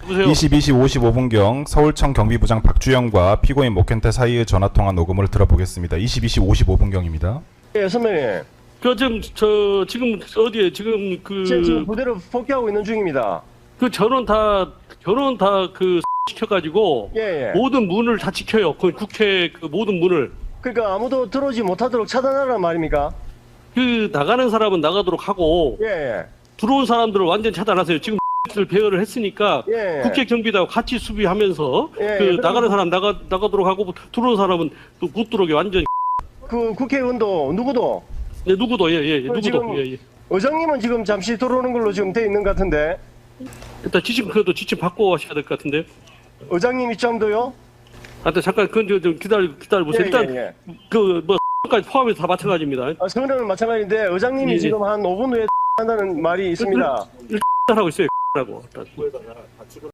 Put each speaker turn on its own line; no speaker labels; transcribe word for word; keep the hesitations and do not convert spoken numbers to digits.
여보세요?
이십이 시 오십오 분경 서울청 경비부장 박주영과 피고인 목현태 사이의 전화통화 녹음을 들어보겠습니다. 이십이 시 오십오 분경입니다.
예, 선배님.
그 지금 저 지금 어디에 지금 그
제가 지금 부대로 복귀하고 있는 중입니다.
그 전원 다 전원 다 그 시켜가지고
예, 예.
모든 문을 다 지켜요. 그 국회 그 모든 문을
그러니까 아무도 들어오지 못하도록 차단하라는 말입니까?
그 나가는 사람은 나가도록 하고
예, 예.
들어온 사람들을 완전 차단하세요. 지금 를 배열을 했으니까
예, 예.
국회 경비하고 같이 수비하면서
예,
그
예.
나가는 사람 나가 나가도록 하고 들어온 사람은 또 못 들어오게 완전
그 국회의원도 누구도
네, 누구도 예예 예,
그
누구도
지금
예, 예.
의장님은 지금 잠시 들어오는 걸로 지금 돼 있는 것 같은데
일단 지침 그래도 지침 받고 하셔야 될 것 같은데.
의장님 입장도요?
아, 근데 잠깐 그건 좀- 좀 기다려 기다려 보세요.
예,
일단
예,
그뭐 까지 포함해서 다 마찬가지입니다.
아, 선배는 마찬가지인데 의장님이
예, 예.
지금 한 오 분 후에 한다는 말이 있습니다.
일단 하고 있어요. 라고.